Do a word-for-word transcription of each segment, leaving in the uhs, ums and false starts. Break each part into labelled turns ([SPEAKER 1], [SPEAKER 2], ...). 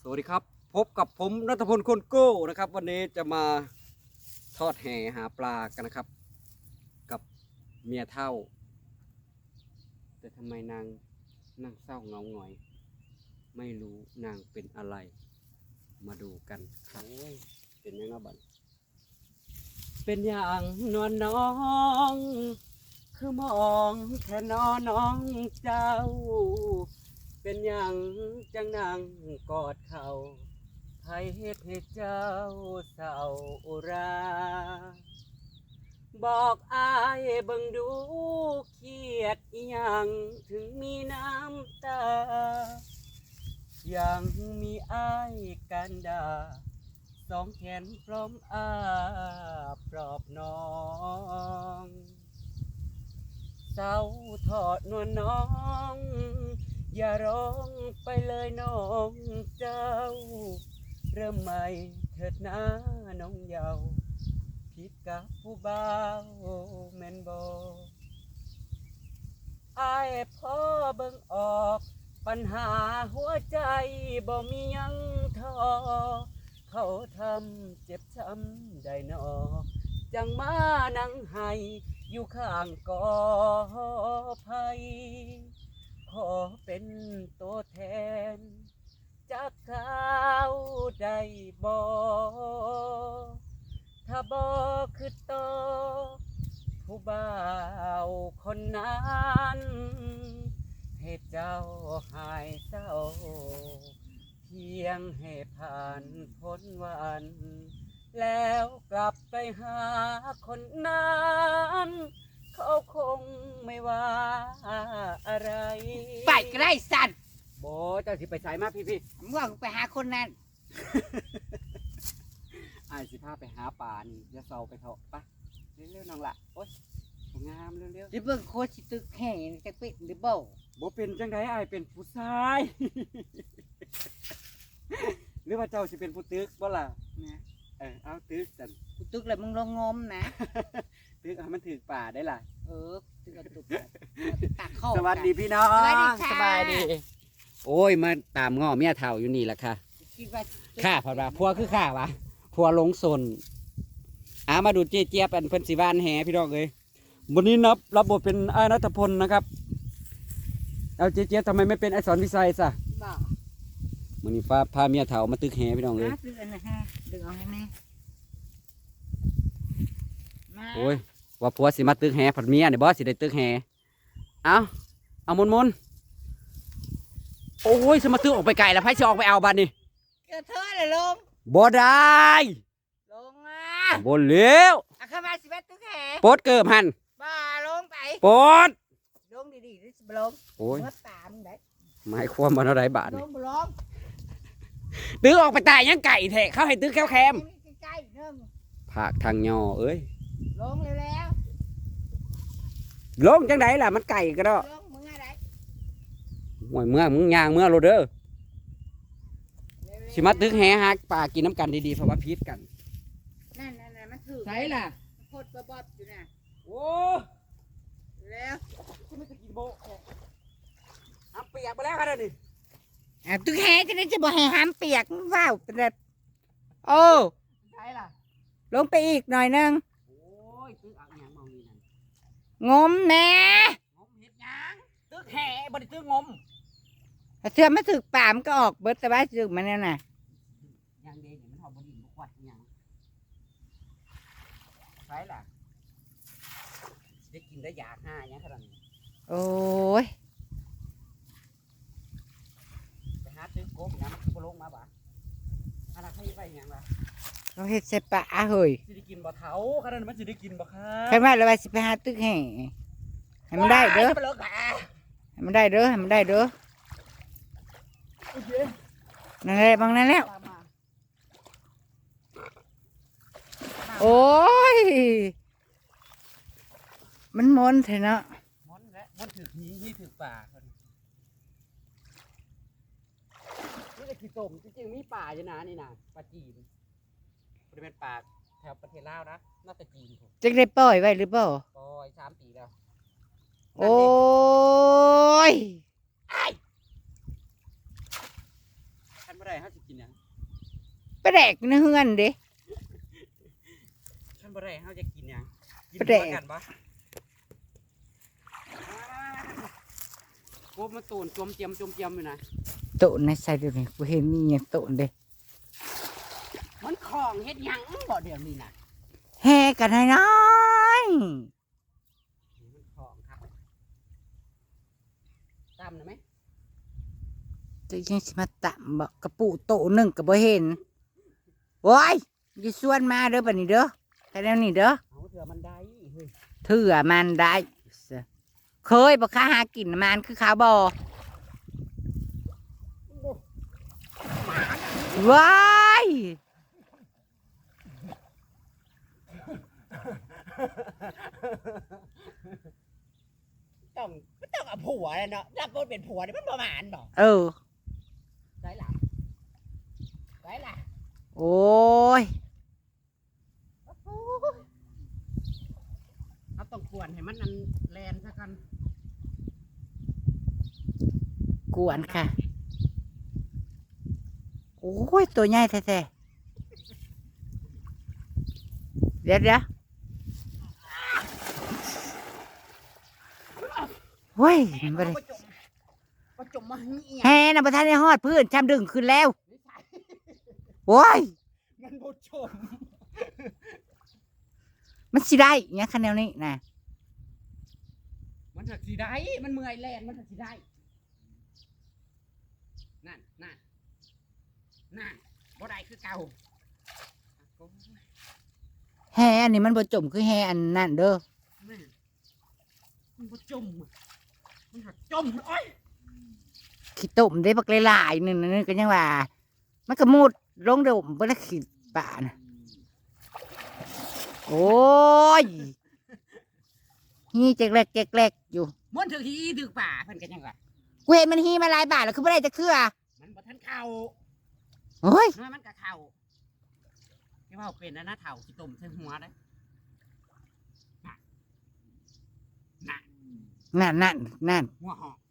[SPEAKER 1] สวัสดีครับพบกับผมณัฐพลคนโก้นะครับวันนี้จะมาทอดแหหาปลากันนะครับกับเมียเท่าแต่ทำไมนางนั่งเศร้าเงาหงอยไม่รู้นางเป็นอะไรมาดูกันครับเป็นยังไงบ้างเป็นอย่างนวลน้องคือมองแค่นอน้องเจ้าเป็นอย่างจังนางกอดเขาไผเฮ็ดให้เจ้าเศร้าอุราบอกอายเบิ่งดูเครียดอีหยังถึงมีน้ำตายังมีอายกันดาสองแขนพร้อมอาปลอบน้องเศร้าทอดนวลน้องอย่าร้องไปเลยน้องเจ้าเริ่มใหม่เถิดนะน้องเยาว์ผิดกับผู้บ่าวแม่นบ่อายพ่อเบิ่งออกปัญหาหัวใจบ่มียังท้อเขาทำเจ็บช้ำได้นอจังมานั่งให้อยู่ข้างกอไผ่ขอเป็นตัวแทนจากเขาได้บ่ถ้าบ่คือต่อผู้บ่าวคนนั้นให้เจ้าหายเศร้าเพียงให้ผ่านพ้นวันแล้วกลับไปหาคนนั้นเขาคงไม่ว่าอะไร
[SPEAKER 2] ไปก็ได้สัตว์
[SPEAKER 1] โบเจ้าสิไปใส่มาพี่พี่
[SPEAKER 2] มึงว่ากูไปหาคนนั้น
[SPEAKER 1] ไอ้สิพาไปหาป่านี่จะเศร้าไปเถอะปะเร็วๆน้องละโอ๊ยงามเร็วๆ
[SPEAKER 2] หรือเบิ่งโคชิตึกแห่งจะเป็นหรือเปล่า
[SPEAKER 1] บ่เป็นจังไดไอ้เป็นผู้ชาย หรือว่าเจ้าสิเป็นผู้ตึกบ่ล่ะนะเออเอาตึกจัน
[SPEAKER 2] กูตึกแล้วมึงลองงมนะ
[SPEAKER 1] ตึกให้มันถึกป่าได้ล่ะ
[SPEAKER 2] เออตึกกระตุกตักเข้า
[SPEAKER 1] สวัสดีพี่น้อง
[SPEAKER 2] สวัสดีค่ะ
[SPEAKER 1] สบายดีโอ้ยมาตามง้อเมียเฒ่าอยู่นี่แหละค่ะ
[SPEAKER 2] คิดว่า
[SPEAKER 1] ข้าพอดว่าพัวคือข้าวะพัวลงสนอ่ามาดูเจี๊ยเจี๊ยบเป็นเพิ่นสิบ้านแห่พี่น้องเอ้ยวันนี้นับรับบทเป็นอ้ายณัฐพลนะครับเอาเจี๊ยเจี๊ยบทำไมไม่เป็นไอ้สอนวิสัยซะ
[SPEAKER 2] บ่
[SPEAKER 1] วันนี้ฟ้าพาเมียเฒ่ามาตึกแห่พี่น้องเอ้ย
[SPEAKER 2] ดึงอันนะฮะดึงเอาให้แม่มา
[SPEAKER 1] โอ้ยว่าผัวสิมาตึกแห่ผัดเมียเนี่ยบอสสิได้ตึกแห่เอาเอามนมนโอ้ยสมาตึกออกไปไกลแล้วไพ่จะออกไปเอาบัดนี่
[SPEAKER 2] เกิดเธอเลยลง
[SPEAKER 1] บ่ได้
[SPEAKER 2] ลงอ่ะ
[SPEAKER 1] บ่เลี้ยว
[SPEAKER 2] อาเข้ามาสิบ้าตึกแห่
[SPEAKER 1] ปดเกิบหัน
[SPEAKER 2] บ่ลงไป
[SPEAKER 1] ปด
[SPEAKER 2] ลงดีๆดิบ่ลง
[SPEAKER 1] โอ้ย
[SPEAKER 2] มาตามได้
[SPEAKER 1] หมายความว่าอะไรบาท
[SPEAKER 2] ล
[SPEAKER 1] นี่
[SPEAKER 2] งบ่ลง
[SPEAKER 1] ตึกออกไปตายยังไก่แทะเข้าให้ตึกแคบแคม
[SPEAKER 2] ใกล้ๆนึง
[SPEAKER 1] ผักทางยอเอ้ย
[SPEAKER 2] ลงแล้ว
[SPEAKER 1] ลงจังไดล่ะมันไก่ก็ได้
[SPEAKER 2] ลงมึงอะไร
[SPEAKER 1] ห่วยเมื่อมึงย่างเมื่อโรเด้อสิมาตึกแห่ฮักป่ากินน้ำกันดีๆเพราะว่าพิษกัน
[SPEAKER 2] นั่นนั่นนั่นมันถือ
[SPEAKER 1] ใช่ล่ะ
[SPEAKER 2] โคตรบอบอยู่น่ะ
[SPEAKER 1] โอ้
[SPEAKER 2] แล้ว
[SPEAKER 1] กูไม่จะกินโบน้ำเปียกไปแล้วครับนี่
[SPEAKER 2] อ่ะตึกแห่จะได้จะบ่แห่ห้ามเปียกว้าวเป็นแบบโอ้
[SPEAKER 1] ใช่ล่ะ
[SPEAKER 2] ลงไปอีกหน่อยนึง
[SPEAKER 1] โอ้ยตึกเอาอย่างมองนี่นั่น
[SPEAKER 2] งมแน่
[SPEAKER 1] งมเห็ดหยังตึกแห่บริตึกงม
[SPEAKER 2] ถ้าเชื่อมาถึกป่ามนก็ออกเบิดแต่ว่าถึกมันเนี่ยน่ะ
[SPEAKER 1] ยางเดนมันหอมบดินบกวัดอหยังใช่ล่ะได้กินได้ยาห้าอย่างขนาดนี้
[SPEAKER 2] โอ้ย
[SPEAKER 1] ไปหาตึกโกบนะมันคือบ่ลงมาบ่อันนั้นเขาไปอหยังล่ะ
[SPEAKER 2] เขาเฮ็ดใส่ปลาเฮ้ย
[SPEAKER 1] สิได้กินบ่เถาขนาดนั้นมันสิได้กินบ่ครั
[SPEAKER 2] ใคร
[SPEAKER 1] บ
[SPEAKER 2] ว่าเราไปสิไปหาตึกแห่ให้มันได้เด้อ
[SPEAKER 1] ไปเลิกหา
[SPEAKER 2] ให้มันได้เด้อให้มันได้เด้อ
[SPEAKER 1] โอเค
[SPEAKER 2] นั่นแหละบางนั่นแล้ว
[SPEAKER 1] ตามมา
[SPEAKER 2] โอ้ยมันมนเถอะเนาะ
[SPEAKER 1] มอนและมอนถือหีหีถือป่าคนนี่ก็คือต้มจริงๆมีป่าอยู่นะนี่นะป่าจีนบริเวณป่าแถวประเทศลาวนะน่าจะจีนผม
[SPEAKER 2] จะได้ปล่อยไว้หรือเปล่า
[SPEAKER 1] ปล่อยสามปีแล้ว
[SPEAKER 2] โอ้ย
[SPEAKER 1] ทันเมื่อไรเขาจะกินหยัง
[SPEAKER 2] ปลาแดกในเฮือนเด้
[SPEAKER 1] ท่านบ่ได้เฮาจะกินหยังกิน
[SPEAKER 2] ปลาแดก
[SPEAKER 1] หัวกันบ่โคบมาตูนจมเจียมจมเจียมอยู่นะ
[SPEAKER 2] โตนในใส่เดี๋ยวนี้กูเห็นมีอย่างโตนเด้
[SPEAKER 1] มันของเฮ็ดหยังบ่เดี๋ยวนี้น่ะ
[SPEAKER 2] แห่กันให้น้อย
[SPEAKER 1] มันของครับตามนะไหม
[SPEAKER 2] จะยังสิมาตำบอกกระปูโตหนึ่งกับบ่เห็นโอ้ยอย่าชวนมาเด้อบัดนี้เด้อแค่นี้เด้อ
[SPEAKER 1] เอาเถื่อมันได้เฮ้ย
[SPEAKER 2] เถื่อมันได้เคยบอกข้าหากินมันคือข้าวบอว้าย
[SPEAKER 1] ต้องมันต้องเอาผัวเลยเนาะรับบทเป็นผัวนี่มันประมาณบ่
[SPEAKER 2] เออ
[SPEAKER 1] ได้ล่ะได้ล่ะ
[SPEAKER 2] โอ้ย
[SPEAKER 1] เอาต้องกวนให้มันนั่นแลนซะกัน
[SPEAKER 2] กวนค่ะ โอ้ย ตัวใหญ่แท้ๆเดี๋ยวเดี๋ยวเฮ้ยมันบ่ได้
[SPEAKER 1] ประจมประจมมาเหี้ย
[SPEAKER 2] แฮ่นะประธานในฮอดพื้นชำดึงขึ้นแล้วโอ้ย
[SPEAKER 1] มันประจม
[SPEAKER 2] มันสิได้เนี่ยคะแนนนี้นะ
[SPEAKER 1] มันถักสีได้มันเมื่อยแลนมันถักสีได้นั่นนั่นนั่นบ่ได้คือเก่า
[SPEAKER 2] แฮ่อันนี้มันบ่จมคือแฮ่อันนั่นเด้อ
[SPEAKER 1] แม่มันประจมอะมันถักจมโอ้ย
[SPEAKER 2] ขี้ต้มได้บักหลายๆนึงนึงก็ยังว่า มันก็มุดลงเด้อบ่ได้ขี้ป่านะโอ้ยฮีแจกแรกแจกแรกอยู่
[SPEAKER 1] มันถือที่ถือป่าเพิ่นกันยังไง
[SPEAKER 2] กูเห็นมันฮีมาหลายบาทแล้วคือบ่ได้จะเครือ
[SPEAKER 1] มันบ่ทันเข่า
[SPEAKER 2] โอ้ย
[SPEAKER 1] น้อยมันก็เข่าที่ว่าเป็นนะนะเถ่าขี้ต้มใส่หัวได้น่ะน่ะ
[SPEAKER 2] นั่นนั่นนั่น
[SPEAKER 1] หัวหอก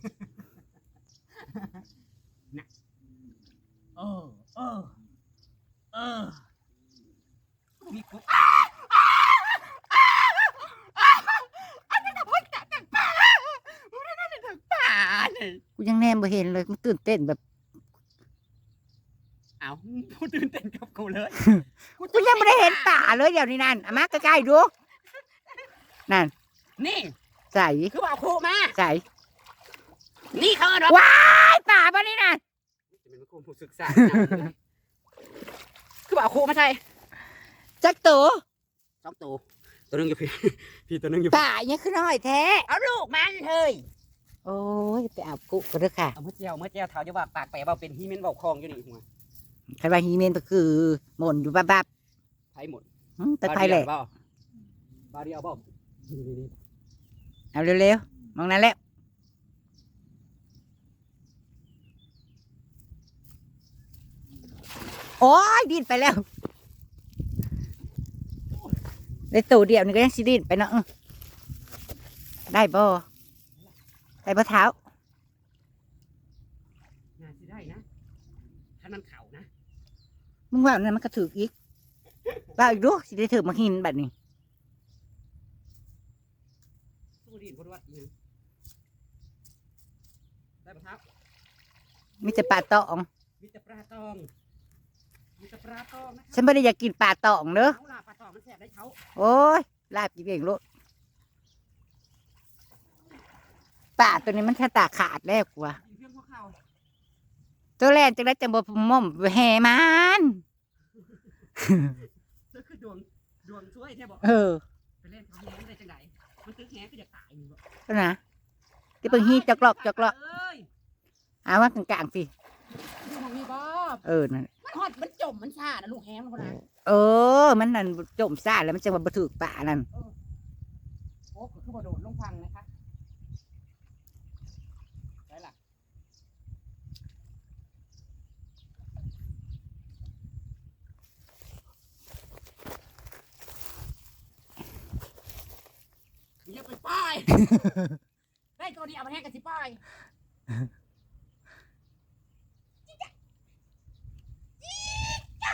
[SPEAKER 1] น่ะเออเออเออมีกุ๊กอันนั้นน่ะเพิ่งจับจากป่าอันนั้นน่ะจากป่าเนี่ย
[SPEAKER 2] กูยังแนมบ่เห็นเลยกูตื่นเต้นแบบ
[SPEAKER 1] เอาพูดตื่นเต้นกับกูเลย
[SPEAKER 2] กูยังไม่ได้เห็นป่าเลยเดี๋ยวนี้นั่นเอามาใกล้ๆดูนั่น
[SPEAKER 1] นี่
[SPEAKER 2] ใส่
[SPEAKER 1] คือว่าเอาครูมา
[SPEAKER 2] ใส่
[SPEAKER 1] นี่เขาเนาะ
[SPEAKER 2] ว้ายป่าบ่นี่นั่น
[SPEAKER 1] จะเป็นครูผู้ศึกษาคือว่าเอาครูมาใช่
[SPEAKER 2] จักตัว
[SPEAKER 1] สองตัวตัวนึงอยู่พี่ พี่ตัวนึงอยู่
[SPEAKER 2] ป่าเนี่ยคือน้อยแท้
[SPEAKER 1] เอาลูกมันเฮ้ย
[SPEAKER 2] โอ้ยไปเอากุก็เด้อค่ะ
[SPEAKER 1] เอาเมื่อเจียวเมื่อเจียวเท้าจะว่าปากแปะเบาเป็นฮีเมนเบาคลองอยู่นี่หัว
[SPEAKER 2] ใครว่าฮีเมนก็คือหม่นอยู่บับ
[SPEAKER 1] ไผ่หมด
[SPEAKER 2] ๆหึแต่ไทยแหละ
[SPEAKER 1] เบาเบาเดียวเบานี่นี่นี่
[SPEAKER 2] เอาเร็วๆมองนั้นแล้วโอ้ยดิ้นไปแล้วได้ตัวเดียวนี่ก็ยังสิดิ้นไปเนาะอื้อได้บ่ได้บ่เท้า
[SPEAKER 1] น่าสิได้นะถ้ามันเข่านะ
[SPEAKER 2] มึงว่าอันนั้นมันก็ถืออีกว่าอีกดูสิได้ถือมาหินแบบนี้
[SPEAKER 1] สู้ดินพอดวัดเนี่ยได้ปะครับ
[SPEAKER 2] มีแต่ปลาตอง
[SPEAKER 1] มีแต่ปลาตองมีแต่ปลาตองนะค
[SPEAKER 2] ฉั
[SPEAKER 1] รับ
[SPEAKER 2] นไม่ได้อยากกินปลาตองเด้อ
[SPEAKER 1] เขาล่ะปลาตองมันแสบได้เขา
[SPEAKER 2] โอ้ยลาบกินเองโลดปลาตัวนี้มันแค่ตาขาดแล้วกว่า
[SPEAKER 1] กินเพียงพวกเขา
[SPEAKER 2] ตัวแรกจะได้จังบ่ม่อมแห่มัน
[SPEAKER 1] เธอคือดวงดวงช่วยแท้บอก
[SPEAKER 2] เออ
[SPEAKER 1] ไปเล่นเขาแหงได้จังไหนมันตึกแหงก็จะตายอยู่บ่
[SPEAKER 2] ก็นะที่เพิ่งฮีจอกลอกจอกลอก
[SPEAKER 1] เอ้ย
[SPEAKER 2] เอาว่ากลางๆสิ
[SPEAKER 1] ดูของมีบ่
[SPEAKER 2] เออนั่น
[SPEAKER 1] มันฮอดมันจมมันชานะลูกแหงมันคนนั้น
[SPEAKER 2] เออ มันนั่นจมซ่าแล้วมันจะมาบ่ถือปลานั่น
[SPEAKER 1] โอ้คือบ่โดดลงฟังนะคะได้ล่ะอย่าไปป้าย ได้ตัวเดียวมันแห้งกันสิป้ายจิ๊กจ๊ะจิ๊กจ๊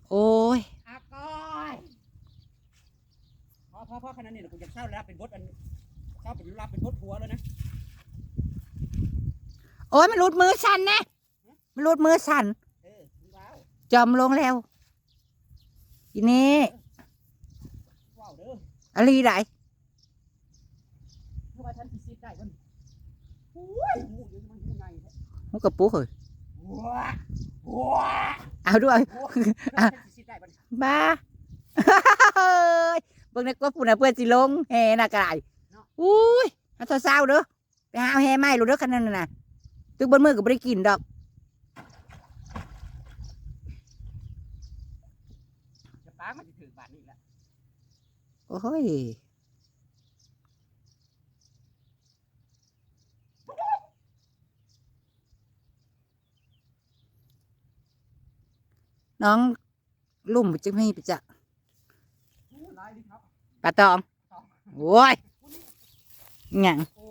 [SPEAKER 2] โอ้ย
[SPEAKER 1] อาก้อยพอพอพอขนาดนี้เดี๋ยวกูจะเศร้าแล้วเป็นบทอันเศร้าเป็นรับเป็นบทหัวแล้วนะ
[SPEAKER 2] โอ้ยมันรูดมือฉันนะมันรูดมือฉัน
[SPEAKER 1] เออมึงว้าว
[SPEAKER 2] จอมลงแล้วทีนี้
[SPEAKER 1] ว้าวเด้อ
[SPEAKER 2] อะไรไหน
[SPEAKER 1] เพราะว่าฉันสิซีดได้มันโอ้ยหูอยู่มันหูไงแท้
[SPEAKER 2] หูกระปุกเลย
[SPEAKER 1] ว้าว้า
[SPEAKER 2] เอาด้วย
[SPEAKER 1] โอ้ยฉันสิซีดได้มัน
[SPEAKER 2] บ้า เฮ้ยเบิ่งในกว่าผู้น่ะเพื่อนสิลงแห่น่ะกระไรอุ้ยเอาเศร้าๆเด้อไปหาเอาแห่ไม้รู้เด้อคันนั้นน่ะตึกบนมือก็บ่ได้กินดอก
[SPEAKER 1] จะปากมันจะถือบาทนี่แหละ
[SPEAKER 2] โอ้ยน้องลุ่มจึงไม่ไปจ้ะ
[SPEAKER 1] โอ้ลายดิครับ
[SPEAKER 2] ปลาตองโอ้ยหยัง
[SPEAKER 1] โอ้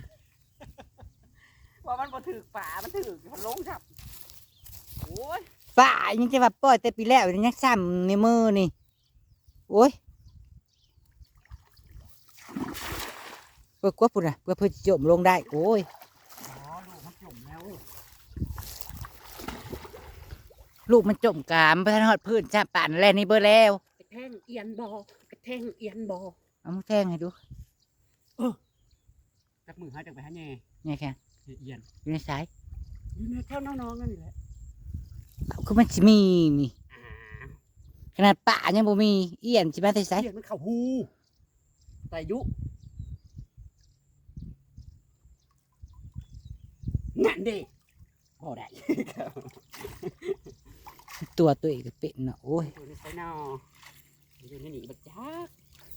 [SPEAKER 1] ว่ามันบ่ถือป่ามันถือมันลงครับโอ้ย
[SPEAKER 2] ป้ายังจะว่าปล่อยแต่ปีแล้วยังซ้ำในมือนี่โอ้ยเพื่อกว่าปุ่นอ่ะเพื่อเพื่อจะจมลงได้โอ้ย
[SPEAKER 1] อ๋อลูกมันจมแล้ว
[SPEAKER 2] ลูกมันจมกามพระทหอดพื้นจ้าป่านแลนี่เบอร์แล้ว
[SPEAKER 1] กระแทงเอียนบอกระแทงเอียนบอ
[SPEAKER 2] เอามือแทงให้ดู
[SPEAKER 1] จับมือหายจากไปหาแง่
[SPEAKER 2] เนี่ยแค่
[SPEAKER 1] เอียน
[SPEAKER 2] อยู่ในสาย
[SPEAKER 1] อยู่ในแถวน้องๆนั่นนี่แหละ
[SPEAKER 2] เอาคือมันสิมีนี่
[SPEAKER 1] อ่า
[SPEAKER 2] ขนาดป่ายังบ่มีเอียนสิมาแต่ไส
[SPEAKER 1] เอียนมันเข้าหูแต่ยุนั่นเด้พอได้
[SPEAKER 2] ตัวตัวเองก็เป็นเนาะโอ้ย
[SPEAKER 1] อยู่ในไซนออยู่ในหนีบักจัก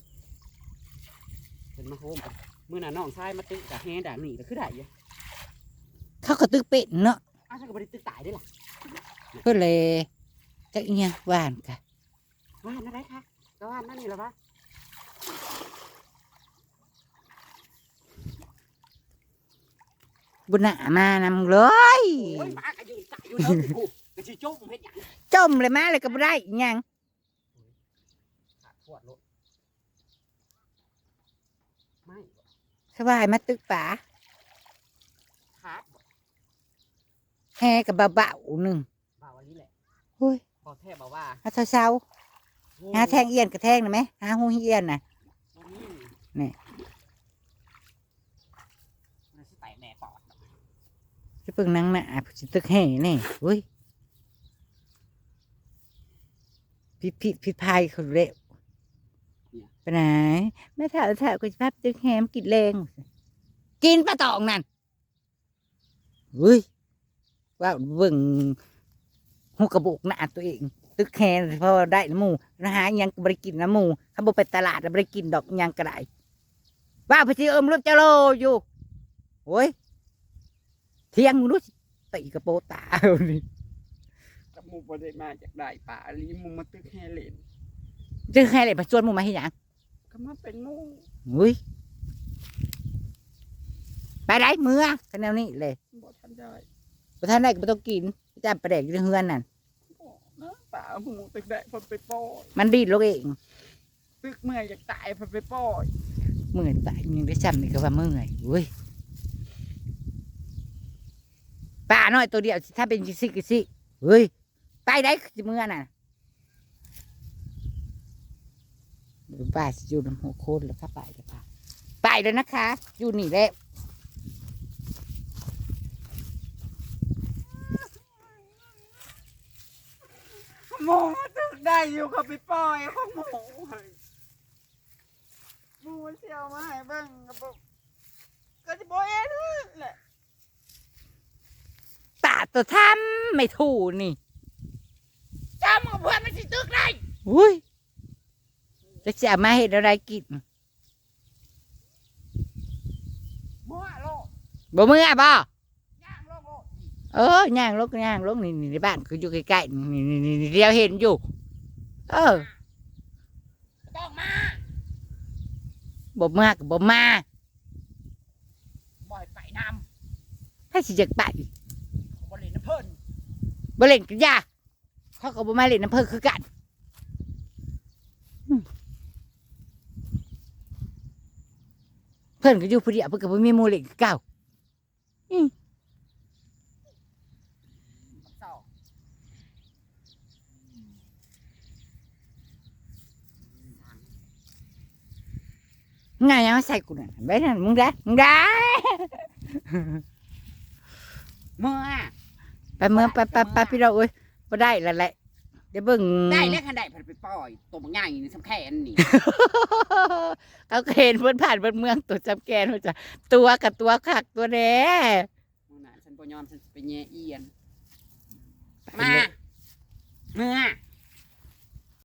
[SPEAKER 1] เป็นมาโฮมกันเมื่อน่ะน้องชายมาตึกกับแฮด่าหนีก็คือได้อยู่
[SPEAKER 2] เขาก็ตึกเป็นเนาะ
[SPEAKER 1] อ้าวฉันก็บ่ได้ตึกตายได้ล่ะ
[SPEAKER 2] เพื่อเลยจักอีหยังหวานกะ
[SPEAKER 1] ว่านอะไรคะก็ว่านนั่นนี่แหละวะ
[SPEAKER 2] บุญหนามานำเลย
[SPEAKER 1] โอ้ยหมาก็ยืนตายอยู่แล้วกูก็สิจุ่มเฮ็ดหยัง
[SPEAKER 2] จมเลยมาเลยก็บ่ได้อีหยัง
[SPEAKER 1] ขาดขวดรถไม่บ่
[SPEAKER 2] สบายมาตึกป่า
[SPEAKER 1] ขาดบ่
[SPEAKER 2] แห่กับเบาๆหนึ่ง
[SPEAKER 1] บ่าวอันนี้แหละ
[SPEAKER 2] โอ้ย
[SPEAKER 1] พอแท้บอกว่า
[SPEAKER 2] หาเช้าๆหาแทงเอียนกับแทงนะไหมหาหูเอียนน่ะ
[SPEAKER 1] บ่มี
[SPEAKER 2] นี่
[SPEAKER 1] มันสิแตกแน่ปอดดอก
[SPEAKER 2] จะเพิ่งนั่งหน้าผู้สิตึกแห่นี่เฮ้ยพิดพิดพิดพายเขาเร็วไปไหนแม่ถามถามกูจะพาไปตึกแห่มนกินแรงกินปลาตองนั่นเฮ้ยว่าเบิ่งหูกระบอกหน้าตัวเอง ตึกแห่เพอได้น้ำหมูนะฮะยังบริกินน้ำหมูถ้าบ่ไปตลาดบริกินดอกยังก็ได้ว่าพอดีเอิมรถเจโลอยู่โอ้ยเที่ยงมึงรู้สิตีกระโปรงตาเอานี่
[SPEAKER 1] กับหมูบ่ได้มาจากได้ป่าอลีหมูมาตึกแฮเล่น
[SPEAKER 2] จะให้อะไรมาชวนมึงมาให้หยัง
[SPEAKER 1] ก็มาเป็นหมู
[SPEAKER 2] อุ้ยไปได้เมื่อกันแนวนี้เลย
[SPEAKER 1] บ่ทันได้
[SPEAKER 2] ประธานได้ก็ไม่ต้องกินจำประเด็กอยู่ในเฮือนนั่น
[SPEAKER 1] บ่นะป่าหมูตึกได้เพิ่นไปปล่อย
[SPEAKER 2] มันดีดลูกเอง
[SPEAKER 1] ตึกเมื่อยอยากตายเพิ่นไปปล่อย
[SPEAKER 2] เมื่อยตายยังได้จำนี่ก็ว่าเมื่อยอุ้ยป่าน้อยตัวเดียวสิถ้าเป็นกิซิกิซิเฮ้ยไปได้สิเมื่อน่ะป้าสิอยู่น้ำหัวโคนแล้วค่ะไปเลยค่ะไปเลยนะคะ อยู่นี่แหละ
[SPEAKER 1] หมูตึกได้อยู่เขาไปปล่อยของหมูเฮ้ยหมูเสียวมาให้เบิ่งก็บ่ก็สิบ่เอ็นแหละ
[SPEAKER 2] ตาตัวทำไม่ถูกนี่
[SPEAKER 1] จำกับเพื่อนมันสิตึกได้
[SPEAKER 2] อุ้ยจะจะมาเห็นอะไรกิน
[SPEAKER 1] มั่วโลก
[SPEAKER 2] บ่เมื่อบ่
[SPEAKER 1] ย่างโลกโลก
[SPEAKER 2] เออย่างลกย่างลกนี่นี่ในบ้านคืออยู่ใกล้ๆนี่นี่นี่นี่เดียวเห็นอยู่ เออ
[SPEAKER 1] ต้องมา
[SPEAKER 2] บ่มาก็บ่มา
[SPEAKER 1] บ่อยไปน
[SPEAKER 2] ให้สิจักไป
[SPEAKER 1] ำบ่เล่นน้ำเพิ่น
[SPEAKER 2] บ่เล่นกันยาเขาก็บ่มาเล่นน้ำเพิ่นคือกันเพิ่นก็อยู่ผู้เดียวเพิ่นก็บ่มีหมู่เล่นคือเก่าอืมง่ายยังมาใส่กูน่ะไปนั่นมึงได้มึงได้
[SPEAKER 1] เมื่อ
[SPEAKER 2] ไปเมืองไปไปไปพี่เราเอ้ยบ่ได้และแหละเดี๋ยวเบิ่ง
[SPEAKER 1] ได้แล้วคันได้เพิ่นไปปล่อยตัวบางใหญ่นี่สำแค่นนี่
[SPEAKER 2] เขาก็เห็นเพิ่นผ่านเพิ่นเมืองตัวจำแกนว่าจะตัวกับตัวคักตัวแหน่
[SPEAKER 1] มื้อน่ะฉันบ่ยอมฉันสิไปแย่เอียนมาเมื่อ